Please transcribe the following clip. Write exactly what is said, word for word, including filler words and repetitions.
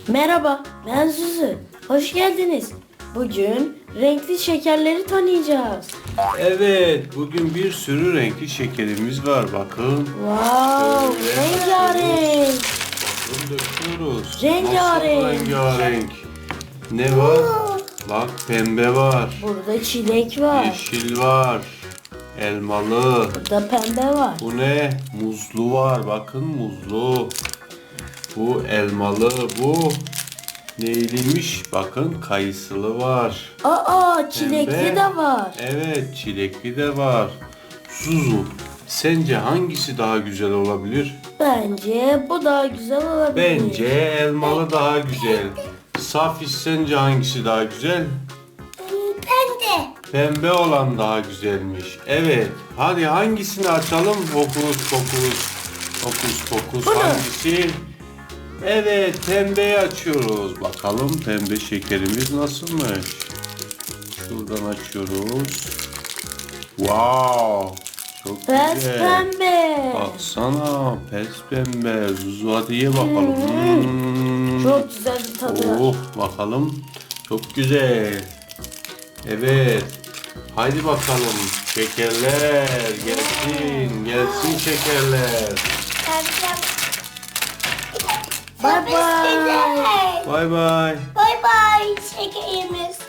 Merhaba, ben Zuzu. Hoş geldiniz. Bugün renkli şekerleri tanıyacağız. Evet, bugün bir sürü renkli şekerimiz var. Bakın. Wow, Şöyle rengarenk. Bakın döküyoruz. Rengarenk. Nasıl rengarenk? Ne var? Bak pembe var. Burada çilek var. Yeşil var. Elmalı. Burada pembe var. Bu ne? Muzlu var. Bakın muzlu. Bu elmalı. Bu neyliymiş? Bakın kayısılı var. Aa, çilekli Pembe. de var. Evet, çilekli de var. Zuzu, sence hangisi daha güzel olabilir? Bence bu daha güzel olabilir. Bence elmalı daha güzel. Safis, sence hangisi daha güzel? Pembe. Pembe olan daha güzelmiş. Evet, hadi hangisini açalım? Fokus fokus. Fokus fokus Bunu. hangisi? Evet, pembeyi açıyoruz. Bakalım pembe şekerimiz nasılmış? Şuradan açıyoruz. Wow! Çok Pes güzel. pembe. Baksana pes pembe. Zuzu hadi ye bakalım. Hmm. Çok güzel bir tadı var. Oh bakalım. Çok güzel. Evet. Haydi bakalım. Şekerler gelsin. Gelsin şekerler. Pembe. Bye bye. Bay bay. Bye bye şekerimiz.